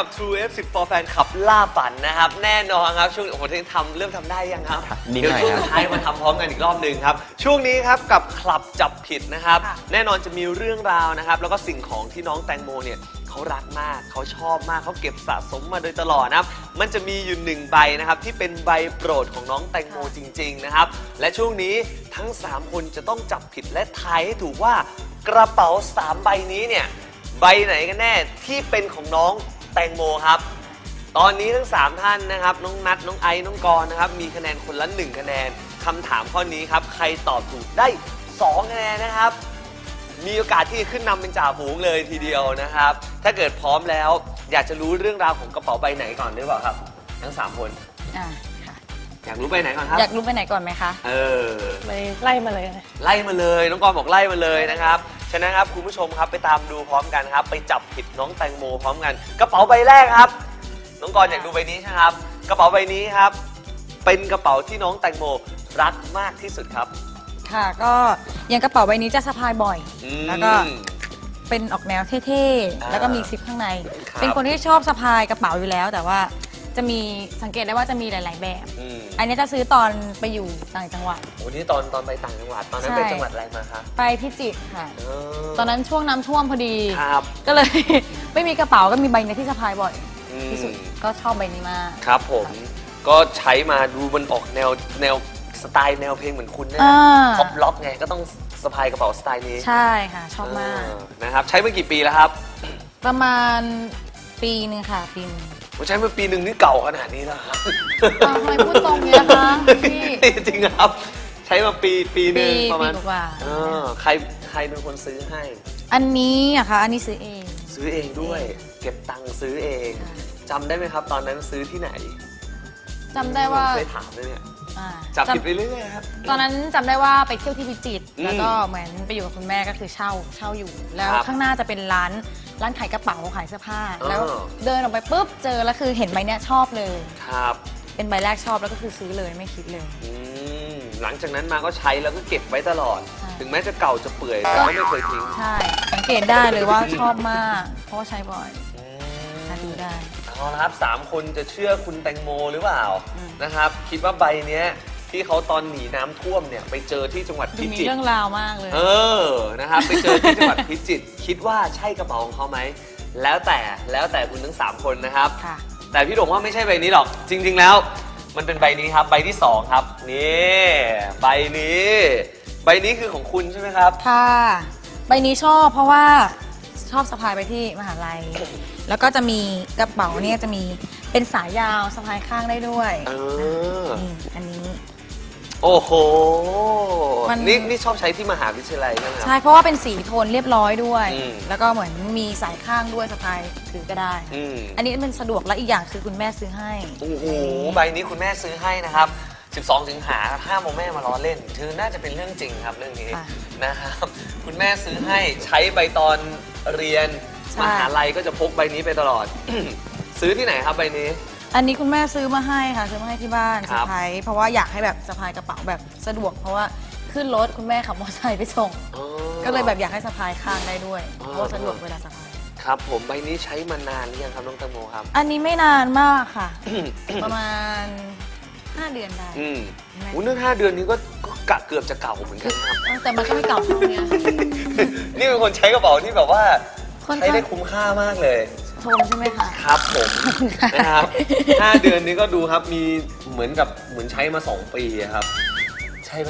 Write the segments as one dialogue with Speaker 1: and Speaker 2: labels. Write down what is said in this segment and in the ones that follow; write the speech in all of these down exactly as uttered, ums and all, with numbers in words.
Speaker 1: กับ True เอฟ สิบ for Fan ขับล่าฝันนะครับแน่นอนครับช่วงโอ้โหที่ทำเริ่มทำได้ยังครับเดี๋ยวช่วงท้ายมาทำพร้อมกันอีกรอบหนึ่งครับช่วงนี้ครับกับคลับจับผิดนะครับแน่นอนจะมีเรื่องราวนะครับแล้วก็สิ่งของที่น้องแตงโมเนี่ยเขารักมากเขาชอบมากเขาเก็บสะสมมาโดยตลอดนะครับมันจะมีอยู่หนึ่งใบนะครับที่เป็นใบโปรดของน้องแตงโมจริงๆนะครับและช่วงนี้ทั้งสามคนจะต้องจับผิดและทายให้ถูกว่ากระเป๋าสามใบนี้เนี่ยใบไหนกันแน่ที่เป็นของน้องแตงโมครับตอนนี้ทั้งสามท่านนะครับน้องนัทน้องไอซ์น้องกรนะครับมีคะแนนคนละหนึ่งคะแนนคำถามข้อนี้ครับใครตอบถูกได้สองคะแนนนะครับมีโอกาสที่จะขึ้นนำเป็นจ่าฝูงเลยทีเดียวนะครับถ้าเกิดพร้อมแล้วอยากจะรู้เรื่องราวของกระเป๋าใบไหนก่อนได้เปล่าครับทั้งสามคน
Speaker 2: อ่าค่ะ
Speaker 1: อยากรู้ใบไหนก่อนครับ
Speaker 2: อยากรู้ใบไหนก่อนไหมคะ
Speaker 1: เออ
Speaker 3: เลยไล่มาเลย
Speaker 1: ไล่มาเลยน้องกรบอกไล่มาเลยนะครับฉะนั้นครับคุณผู้ชมครับไปตามดูพร้อมกันครับไปจับผิดน้องแตงโมพร้อมกันกระเป๋าใบแรกครับน้องกรอยากดูใบนี้ใช่ไหมครับกระเป๋าใบนี้ครับเป็นกระเป๋าที่น้องแตงโมรักมากที่สุดครับ
Speaker 2: ค่ะก็อย่างกระเป๋าใบนี้จะสะพายบ่อยแล้วก็เป็นออกแนวเท่ๆแล้วก็มีซิปข้างในเป็นคนที่ชอบสะพายกระเป๋าอยู่แล้วแต่ว่าจะมีสังเกตได้ว่าจะมีหลายๆแบบอันนี้จะซื้อตอนไปอยู่ต่างจังหวัด
Speaker 1: โอ้นี่ตอนตอนไปต่างจังหวัดตอนนั้นไปจังหวัดอะไรมาครับ
Speaker 2: ไปพิจิตรค่ะตอนนั้นช่วงน้ำท่วมพอดีก็เลย ไม่มีกระเป๋าก็มีใบนี้ที่สะพายบ่อยที่สุดก็ชอบใบนี้มาก
Speaker 1: ครับผมก็ใช้มาดูมันออกแนวแนวสไตล์แนวเพลงเหมือนคุณเนี่ยพ็อปล็อกไงก็ต้องสะพายกระเป๋าสไตล์นี้
Speaker 2: ใช่ค่ะชอบมาก
Speaker 1: นะครับใช้มากี่ปีแล้วครับ
Speaker 2: ประมาณปีนึงค่ะปีนึง
Speaker 1: ผมใช้มาปีหนึ่งนี่เก่าขนาดนี้แล้วครับ
Speaker 2: ทำไมพูดตรงเนี้ยคะพี่
Speaker 1: จริงครับใช้มาปีปีหนึ่งประมาณ
Speaker 2: กว่า
Speaker 1: ใครใครเป็นคนซื้อให้
Speaker 2: อันนี้อะคะอันนี้ซื้อเอง
Speaker 1: ซื้อเองด้วยเก็บตังค์ซื้อเองจำได้ไหมครับตอนนั้นซื้อที่ไหน
Speaker 2: จำได้ว่า
Speaker 1: เคยถามเลยเนี่ยจับผิดไปเรื่อยๆครับ
Speaker 2: ตอนนั้นจำได้ว่าไปเที่ยวที่พิจิตรแล้วก็เหมือนไปอยู่กับคุณแม่ก็คือเช่าเช่าอยู่แล้วข้างหน้าจะเป็นร้านร้านขายกระเป๋าขายเสื้อผ้าแล้วเดินออกไปปุ๊บเจอแล้วคือเห็นใบเนี้ยชอบเลย
Speaker 1: ครับ
Speaker 2: เป็นใบแรกชอบแล้วก็คือซื้อเลยไม่คิดเลย
Speaker 1: หลังจากนั้นมาก็ใช้แล้วก็เก็บไว้ตลอดถึงแม้จะเก่าจะเปื่อยแต่ก็ไม่เคยทิ้ง
Speaker 2: ใช่สังเกตได้เลยว่าชอบมากเพราะว่าใช้บ่อยดูได้
Speaker 1: เอาละครับสามคนจะเชื่อคุณแตงโมหรือเปล่านะครับคิดว่าใบเนี้ยที่เขาตอนหนีน้ำท่วมเนี่ยไปเจอที่จังหวัดพิจิตร
Speaker 2: มีเรื่องราวมากเลย
Speaker 1: เออนะครับไปเจอที่จังหวัดพิจิตรคิดว่าใช่กระเป๋าของเขาไหมแล้วแต่แล้วแต่คุณทั้งสามคนนะครับแต่พี่โด่งว่าไม่ใช่ใบนี้หรอกจริงๆแล้วมันเป็นใบนี้ครับใบที่สองครับนี่ใบนี้ใบนี้คือของคุณใช่ไหมครับ
Speaker 2: ค่ะใบนี้ชอบเพราะว่าชอบสะพายไปที่มหาลัยแล้วก็จะมีกระเป๋าเนี่ยจะมีเป็นสายยาวสะพายข้างได้ด้วย
Speaker 1: เออ
Speaker 2: นี่อันนี้
Speaker 1: โอ้โหนี่นี่ชอบใช้ที่มหาวิทยาลัยใช่ไหมครับ
Speaker 2: ใช่เพราะว่าเป็นสีโทนเรียบร้อยด้วยแล้วก็เหมือนมีสายข้างด้วยสะพายถือก็ได้อันนี้เป็นสะดวกและอีกอย่างคือคุณแม่ซื้อให้
Speaker 1: โอ้โหใบนี้คุณแม่ซื้อให้นะครับสิบสองสิงหาห้ามโมแม่มาล้อเล่นคือน่าจะเป็นเรื่องจริงครับเรื่องนี้นะครับคุณแม่ซื้อให้ใช้ใบตอนเรียนมหาลัยก็จะพกใบนี้ไปตลอด ซื้อที่ไหนครับใบนี้
Speaker 2: อันนี้คุณแม่ซื้อมาให้ค่ะซื้อมาให้ที่บ้านสะพายเพราะว่าอยากให้แบบสะพายกระเป๋าแบบสะดวกเพราะว่าขึ้นรถคุณแม่ขับมอเตอร์ไซค์ไปส่งก็เลยแบบอยากให้สะพายข้างได้ด้วยเพราะสะดวกเวลาสะพาย
Speaker 1: ครับผมใบนี้ใช้มานานหรือยังครับน้องแตงโมครับ
Speaker 2: อันนี้ไม่นานมากค่ะ ประมาณห้าเดือนได้
Speaker 1: อืมอู้เรื่องห้าเดือนนี้ก็กะเกือบจะเก่าเหมือนกันครับ
Speaker 2: แต่มันก็ไม่เก่าเท่านี้
Speaker 1: นี่เป็นคนใช้กระเป๋าที่แบบว่าใช้ได้คุ้มค่ามากเลย
Speaker 2: ชมใช่ไหมคะ
Speaker 1: ครับผมนะครับห้าเดือนนี้ก็ดูครับมีเหมือนกับเหมือนใช้มาสองปีครับใช่ไหม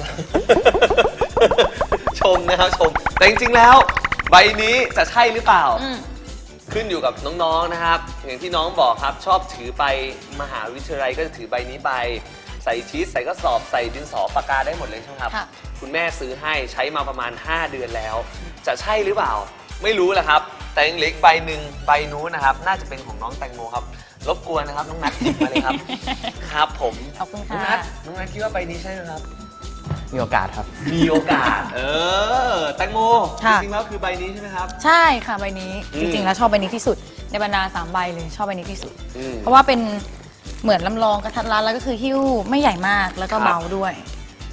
Speaker 1: ชมนะครับชมแต่จริงๆแล้วใบนี้จะใช่หรือเปล่าขึ้นอยู่กับน้องๆนะครับอย่างที่น้องบอกครับชอบถือไปมหาวิทยาลัยก็จะถือใบนี้ไปใส่ชีสใส่กระสอบใส่ดินสอปากกาได้หมดเลยใช่ไหมครับคุณแม่ซื้อให้ใช้มาประมาณห้าเดือนแล้วจะใช่หรือเปล่าไม่รู้แหละครับแต่ยังเหลืออีกใบหนึ่งใบนู้นนะครับน่าจะเป็นของน้องแตงโมครับรบกวนนะครับน้องนัทหยิบมาเลยครับครับผม
Speaker 2: ขอบคุณค่ะ
Speaker 1: น้องนัทน้องนัทคิดว่าใบนี้ใช่ไหมครับ
Speaker 3: มีโอกาสครับ
Speaker 1: มีโอกาสเออแตงโมจริงๆแล้วคือใบนี้ใช่ไหมครับ
Speaker 2: ใช่ค่ะใบนี้จริงๆแล้วชอบใบนี้ที่สุดในบรรดาสามใบเลยชอบใบนี้ที่สุดเพราะว่าเป็นเหมือนลำลองกระทัดรัดแล้วก็คือหิ้วไม่ใหญ่มากแล้วก็เบาด้วย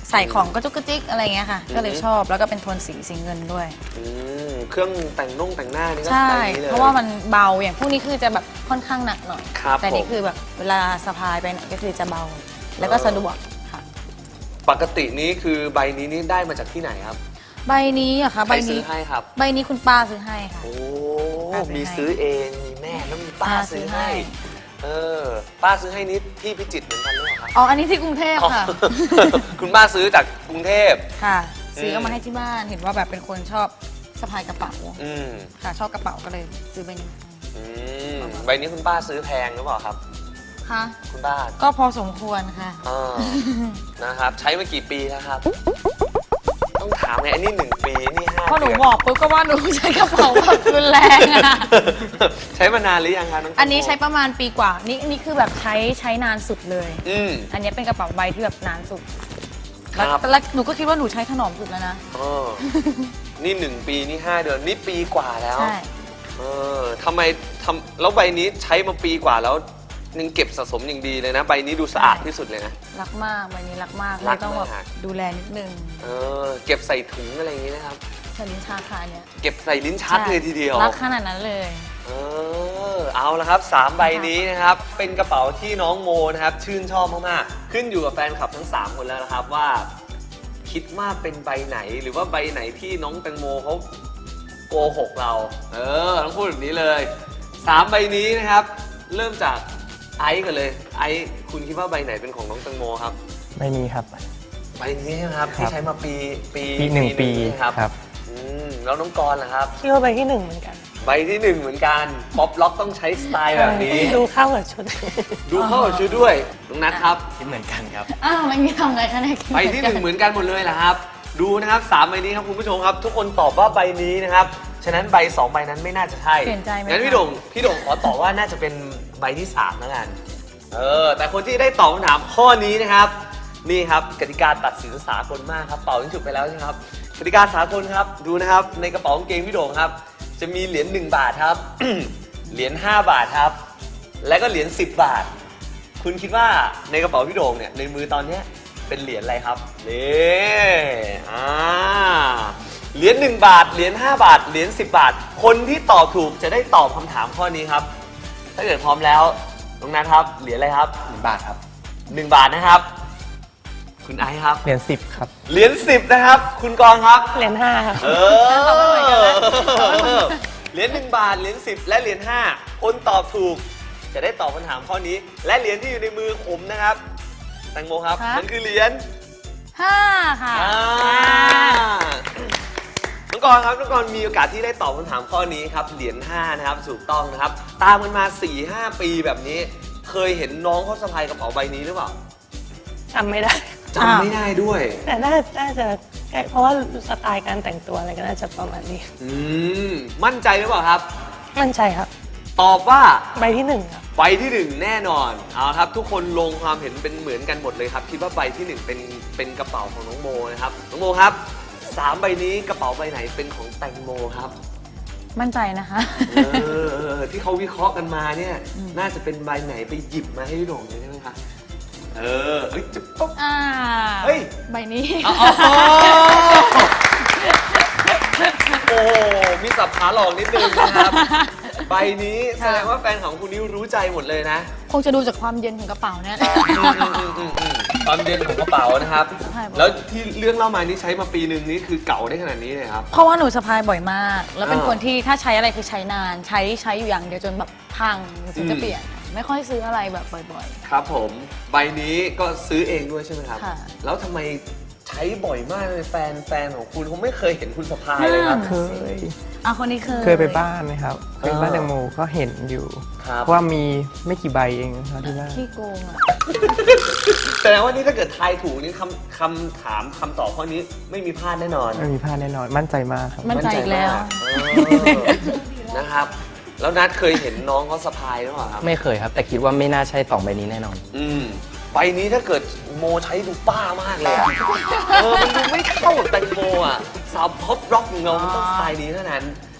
Speaker 2: ใส่ของกระจุกกระจิกอะไรเงี้ยค่ะ ก็เลยชอบแล้วก็เป็นโทนสีสีเงินด้วย
Speaker 1: อืมเครื่องแต่งนุ่งแต่งหน้านี่ก็
Speaker 2: ใช่
Speaker 1: ใส่นี้เลย
Speaker 2: เพราะว่ามันเบาอย่างพวกนี้คือจะแบบค่อนข้างหนักหน่อย
Speaker 1: ครับ
Speaker 2: แต่นี่
Speaker 1: ผม
Speaker 2: คือแบบเวลาสะพายไปไหนก็คือจะเบา แล้วก็สะดวกค่ะ
Speaker 1: ปกตินี้คือใบนี้นี่ได้มาจากที่ไหนครับ
Speaker 2: ใบนี้อะค่ะ
Speaker 1: ใค
Speaker 2: ใบ
Speaker 1: รซื้
Speaker 2: นี้
Speaker 1: อให้ครับ
Speaker 2: ใบนี้คุณป้าซื้อให้ค่ะ
Speaker 1: โอ้
Speaker 2: ป้าซื้อให้
Speaker 1: มีซื้อเองมีแม่แล้วมีป้า
Speaker 2: ป้าซื้
Speaker 1: ซื้อ
Speaker 2: อ
Speaker 1: ให้
Speaker 2: ให้
Speaker 1: เออป้าซื้อให้นี่ที่พิจิตรเหมือนกันหรือเปล่าครับ
Speaker 2: อ๋ออันนี้ที่กรุงเทพค่ะ
Speaker 1: คุณป้าซื้อจากกรุงเทพ
Speaker 2: ค่ะ ซื้อ
Speaker 1: ม
Speaker 2: เอามาให้ที่บ้านเห็นว่าแบบเป็นคนชอบสะพายกระเป๋า
Speaker 1: อืม
Speaker 2: ค่ะชอบกระเป๋าก็เลยซื้อใบนี้
Speaker 1: อืมใบนี้คุณป้าซื้อแพงหรือเปล่าครับ
Speaker 2: ค่ะ
Speaker 1: คุณป้า
Speaker 2: ก็พอสมควรค่ะ
Speaker 1: อ่านะครับใช้มากี่ปีแล้วครับ ต้องถามไงอันนี้หนึ่งปีนี่ห้า
Speaker 2: พอหนู
Speaker 1: เดืน
Speaker 2: บอกปุ๊บก็ว่าหนูใช้กระเป๋าแบบรุนแรงอะ
Speaker 1: ใช้มานานหรือยังคะน้อง
Speaker 2: อันนี้ใช้ประมาณปีกว่า นี่นี่คือแบบใช้ใช้นานสุดเลย
Speaker 1: อืม
Speaker 2: อันนี้เป็นกระเป๋าใบที่แบบนานสุด แล้ว
Speaker 1: ครับ
Speaker 2: แล้วหนูก็คิดว่าหนูใช้ถนอมสุดแล้วนะ
Speaker 1: อ๋อนี่หนึ่งปีนี่ห้าเดือนนี่ปีกว่าแล้ว
Speaker 2: ใช่
Speaker 1: เออทำไมทำแล้วใบนี้ใช้มาปีกว่าแล้วยังเก็บสะสมอย่างดีเลยนะ ใบนี้ดูสะอาดที่สุดเลยนะ
Speaker 2: รักมากใบนี้รักมาก
Speaker 1: รั
Speaker 2: เล
Speaker 1: ก
Speaker 2: ยต้องแบบ
Speaker 1: มาก
Speaker 2: ดูแลนิดนึง
Speaker 1: เออเก็บใส่ถุงอะไรอย่างนี้นะครับ
Speaker 2: ใช้ลิ้นชาคาเนี่ย
Speaker 1: เก็บใส่ลิ้นชักเลยทีเดียว
Speaker 2: รักขนาดนั้นเลย
Speaker 1: เออเอาละครับสามใบนี้นะครับ เป็นกระเป๋าที่น้องโมนะครับ ชื่นชอบมากๆ ขึ้นอยู่กับแฟนคลับทั้งสามคนแล้วนะครับว่า คิดว่าเป็นใบไหนหรือว่าใบไหนที่น้องแตงโมเขาโกหกเรา เออต้องพูดแบบนี้เลยสามใบนี้นะครับ เริ่มจากไอซ์กันเลย ไอซ์คุณคิดว่าใบไหนเป็นของน้องแตงโมครับ
Speaker 3: ไม่มีครับ
Speaker 1: ใบนี้ใช่ไหมครับ
Speaker 3: ครับ
Speaker 1: ที่ใช้มาปีปี
Speaker 3: ปีหนึ่งปี
Speaker 1: ใช่ไหมครับ
Speaker 3: ครับ
Speaker 1: อืมแล้วน้องกรณ์ล่ะครับ
Speaker 3: คิดว่าใบที่หนึ่งเหมือนกัน
Speaker 1: ใบที่หนึ่งเหมือนกันป๊อปล็อกต้องใช้สไตล์แบบนี้
Speaker 3: ดูเข้ากับชุด
Speaker 1: ดูเข้ากับชุดด้วยน้องนัทครับ
Speaker 3: คิดเหมือนกันครับ
Speaker 2: อ้าวมันมีทำไงคะเนี่ย
Speaker 1: ใบที่หนึ่งเหมือนกันหมดเลยเหรอครับ ดูนะครับสามใบนี้ครับคุณผู้ชมครับ ทุกคนตอบว่าใบนี้นะครับ ฉะนั้นใบสองใบนั้นไม่น่าจะใช่
Speaker 2: เปลี่ยนใจไหม
Speaker 1: งั้นพี่
Speaker 2: คะ
Speaker 1: โด่งพี่โด่งขอตอบว่าน่าจะเป็นใบที่สามแล้วกัน เออ แต่คนที่ได้ตอบคำถามข้อนี้นะครับ นี่ครับกติกาตัดสินสากลมากครับ เป่ายิงฉุบไปแล้วใช่ไหมครับ กติกาสากลครับ ดูนะครับ ในกระเป๋ากางเกงพี่โด่งครับ จะมีเหรียญหนึ่งบาทครับ เหรียญห้าบาทครับ และก็เหรียญสิบบาท คุณคิดว่าในกระเป๋าพี่โด่งเนี่ยในมือตอนเนี้ยเป็นเหรียญอะไรครับนี่อ่าเหรียญหนึ่งบาท เหรียญห้าบาท เหรียญสิบบาท คนที่ตอบถูกจะได้ตอบคำถามข้อนี้ครับ ถ้าเกิดพร้อมแล้วตรงนั้นครับ เหรียญอะไรครับ
Speaker 3: หนึ่งบาทครับ
Speaker 1: หนึ่งบาทนะครับ คุณไอซ์ครับ
Speaker 3: เหรียญสิบครับ
Speaker 1: เหรียญสิบนะครับ คุณกรณ์ครับ
Speaker 3: เหรียญห้าครับ
Speaker 1: เออ เหรียญหนึ่งบาท เหรียญสิบและเหรียญห้าคนตอบถูก จะได้ตอบคำถามข้อนี้ และเหรียญที่อยู่ในมือผมนะครับ แตงโมครับ
Speaker 2: คะ
Speaker 1: มันคือเหรียญ
Speaker 2: ห้าค่ะ
Speaker 1: อ่าน้องกรณ์ครับน้องกรณ์มีโอกาสที่ได้ตอบคำถามข้อนี้ครับ เหรียญห้านะครับ ถูกต้องนะครับ ตามกันมา สี่ห้า ปีแบบนี้ เคยเห็นน้องเขาสะพายกระเป๋าใบนี้หรือเปล่า
Speaker 3: จำไม่ได้
Speaker 1: จำไม่ได้ด้วย
Speaker 3: แต่น่าน่าจะใกล้เพราะว่าสไตล์การแต่งตัวอะไรก็น่าจะประมาณนี้
Speaker 1: อืม มั่นใจหรือเปล่าครับ
Speaker 3: มั่นใจครับ
Speaker 1: ตอบว่า
Speaker 3: ใบที่หนึ่งครับ
Speaker 1: ใบที่หนึ่งแน่นอน เอาครับ ทุกคนลงความเห็นเป็นเหมือนกันหมดเลยครับ คิดว่าใบที่หนึ่งเป็นเป็นกระเป๋าของน้องโมนะครับ น้องโมครับสามใบนี้กระเป๋าใบไหนเป็นของแตงโมครับ
Speaker 2: มั่นใจนะคะ
Speaker 1: เออ ที่เขาวิเคราะห์กันมาเนี่ย น่าจะเป็นใบไหนไปหยิบมาให้พี่โด่งเลยใช่ไหมคะเออเฮ้ยจะปุ๊บ
Speaker 2: อ่า
Speaker 1: เฮ้ย
Speaker 2: ใบนี้
Speaker 1: อ๋อโอ้โหมีสับขาหลอกนิดนึงนะครับ ใบนี้แสดงว่าแฟนของคุณนิวรู้ใจหมดเลยนะ
Speaker 2: คงจะดูจากความเย็นของกระเป๋าเนี่ย
Speaker 1: ความเย็นของกระเป๋านะครับ
Speaker 2: ใช่
Speaker 1: แล้วที่เรื่องเล่ามานี่ใช้มาปีหนึ่งนี่คือเก่าได้ขนาดนี้เลยครับ
Speaker 2: เพราะว่าหนูสะพายบ่อยมาก แล้วเป็น
Speaker 1: อ่า
Speaker 2: คนที่ถ้าใช้อะไรคือใช้นาน ใช้ใช้อยู่อย่างเดียวจนแบบพังถึงจะ
Speaker 1: อืม
Speaker 2: เปลี่ยน ไม่ค่อยซื้ออะไรแบบบ่อย
Speaker 1: ครับผม ใบนี้ก็ซื้อเองด้วยใช่ไหมครับ
Speaker 2: ค่ะ
Speaker 1: แล้วทำไมใช้บ่อยมากเลยแฟนแฟนของคุณเขาไม่เคยเห็นคุณสะพาย
Speaker 2: อืม
Speaker 1: เลยครับ
Speaker 4: เคย
Speaker 2: ๆอ่ะคนนี้เคย
Speaker 4: เคยไปบ้านนะครับเคยไปบ้านแตงโมก็เห็นอยู่
Speaker 1: ครับ
Speaker 4: เพราะว่ามีไม่กี่ใบเองนะครับที่บ้าน
Speaker 2: ขี้โกงอ่ะ
Speaker 1: แสดงว่านี่ถ้าเกิดทายถูกนี่คำคำถามคำตอบข้อนี้ไม่มีพลาดแน่นอน
Speaker 4: ไม่มีพลาดแน่นอน มั่นใจมากครับ
Speaker 2: มั่นใจอีกแล้ว
Speaker 1: เออนะครับ แล้วนัดเคยเห็นน้องเขาสะพายหรือเปล่าครับ
Speaker 5: ไม่เคยครับ แต่คิดว่าไม่น่าใช่สองใบนี้แน่นอน
Speaker 1: อืมใบนี้ถ้าเกิดโมใช้ดูป้ามากเลยอะเออมันดูไม่เข้ากับแตงโมอ่ะสาวพ็อปร็อกของเรามันต้องสไตล์นี้เท่านั้น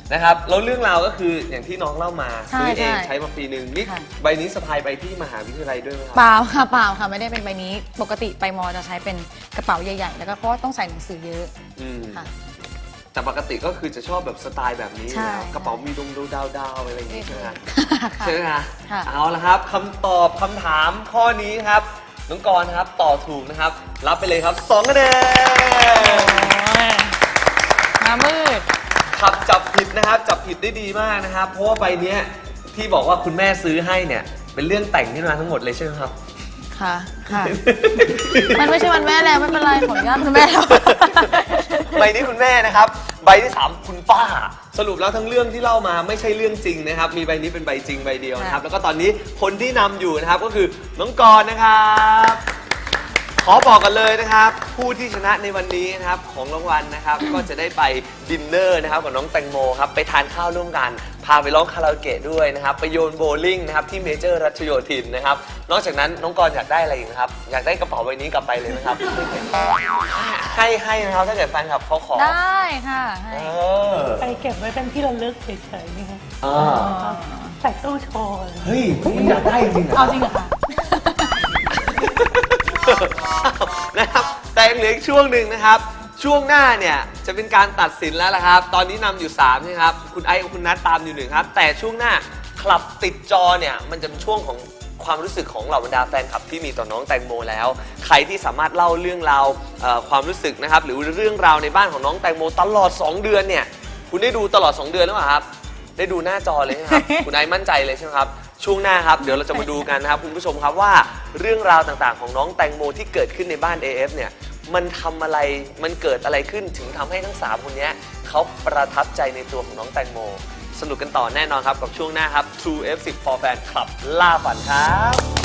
Speaker 1: นะครับแล้วเรื่องราวก็คืออย่างที่น้องเล่ามา
Speaker 2: ใช่
Speaker 1: ซื้อเอง
Speaker 2: ใช่
Speaker 1: ใช้มาปีหนึ่งนี่
Speaker 2: ค่ะ
Speaker 1: ใบนี้สะพายไปที่มหาวิทยาลัยด้วยไหมครั
Speaker 2: เปล่าค่ะเปล่าค่ะไม่ได้เป็นใบนี้ปกติไปมอจะใช้เป็นกระเป๋าใหญ่ๆ แล้วก็เพราะว่าต้องใส่หนังสือเยอะ
Speaker 1: อืม
Speaker 2: ค่ะ
Speaker 1: แต่ปกติก็คือจะชอบแบบสไตล์แบบนี้
Speaker 2: ใช่
Speaker 1: นะกระเป๋ามีดงดูดาวดาวๆอะไรอย่างงี้ใช่ไหมครับ
Speaker 2: ค่ะ
Speaker 1: ใช่ไหมคะ
Speaker 2: ค่ะ
Speaker 1: เอาละครับคำตอบคำถามข้อนี้ครับน้องกรณ์นะครับตอบถูกนะครับ รับไปเลยครับสองคะแนน
Speaker 2: มามืด
Speaker 1: ขับจับผิดนะครับ จับผิดได้ดีมากนะครับ เพราะว่าใบเนี้ยที่บอกว่าคุณแม่ซื้อให้เนี่ยเป็นเรื่องแต่งขึ้นมาทั้งหมดเลยใช่ไหมครับ
Speaker 2: ค่ะ ค่ะ มันไม่ใช่วันแม่แล้วไม่เป็นไรขออนุญาตคุณแม่แล้ว
Speaker 1: ใบนี้คุณแม่นะครับ ใบที่สามคุณป้า สรุปแล้วทั้งเรื่องที่เล่ามาไม่ใช่เรื่องจริงนะครับ มีใบนี้เป็นใบจริงใบเดียวนะครับ แล้วก็ตอนนี้คนที่นำอยู่นะครับก็คือน้องกรณ์นะครับ ขอบอกกันเลยนะครับ ผู้ที่ชนะในวันนี้นะครับของรางวัลนะครับ ก็จะได้ไปดินเนอร์นะครับกับน้องแตงโมครับไปทานข้าวร่วมกันพาไปร้องคาราโอเกะด้วยนะครับไปโยนโบว์ลิ่งนะครับที่เมเจอร์รัชโยธินนะครับนอกจากนั้นน้องกรณ์อยากได้อะไรอีกนะครับอยากได้กระเป๋าใบนี้กลับไปเลยนะครับ ให้ให้นะครับถ้าเกิดแฟนคลับเขาขอ
Speaker 2: ได้ค่ะให้
Speaker 1: เออ
Speaker 3: ไปเก็บไว้เป็นที่ระลึกเฉยๆนี่ค่ะ
Speaker 1: อ่า
Speaker 3: ใส่ตู้โชว์เลย
Speaker 1: เฮ้ยคุณอยากได้จริงเหรอ
Speaker 2: เอาจริงเหรอคะ
Speaker 1: นะครับแต่ยังเหลืออีกช่วงหนึ่งนะครับ ช่วงหน้าเนี่ยจะเป็นการตัดสินแล้วละครับ ตอนนี้นำอยู่สามใช่ไหมครับคุณไอซ์กับคุณนัทตามอยู่หนึ่งครับ แต่ช่วงหน้าคลับติดจอเนี่ยมันจะเป็นช่วงของความรู้สึกของเหล่าบรรดาแฟนคลับที่มีต่อน้องแตงโมแล้ว ใครที่สามารถเล่าเรื่องราวเอ่อความรู้สึกนะครับหรือเรื่องราวในบ้านของน้องแตงโมตลอดสองเดือนเนี่ยคุณได้ดูตลอดสองเดือนหรือเปล่าครับได้ดูหน้าจอเลยใช่ไหมครับ คุณไอซ์มั่นใจเลยใช่ไหมครับช่วงหน้าครับเดี๋ยวเราจะมาดูกันนะครับคุณผู้ชมครับว่าเรื่องราวต่างๆของน้องแตงโมที่เกิดขึ้นในบ้าน เอ เอฟ เนี่ยมันทำอะไรมันเกิดอะไรขึ้นถึงทำให้ทั้งสามคนเนี้ยเขาประทับใจในตัวของน้องแตงโมสนุกกันต่อแน่นอนครับกับช่วงหน้าครับ True เอฟ สิบ for Fan Club ล่าฝันครับ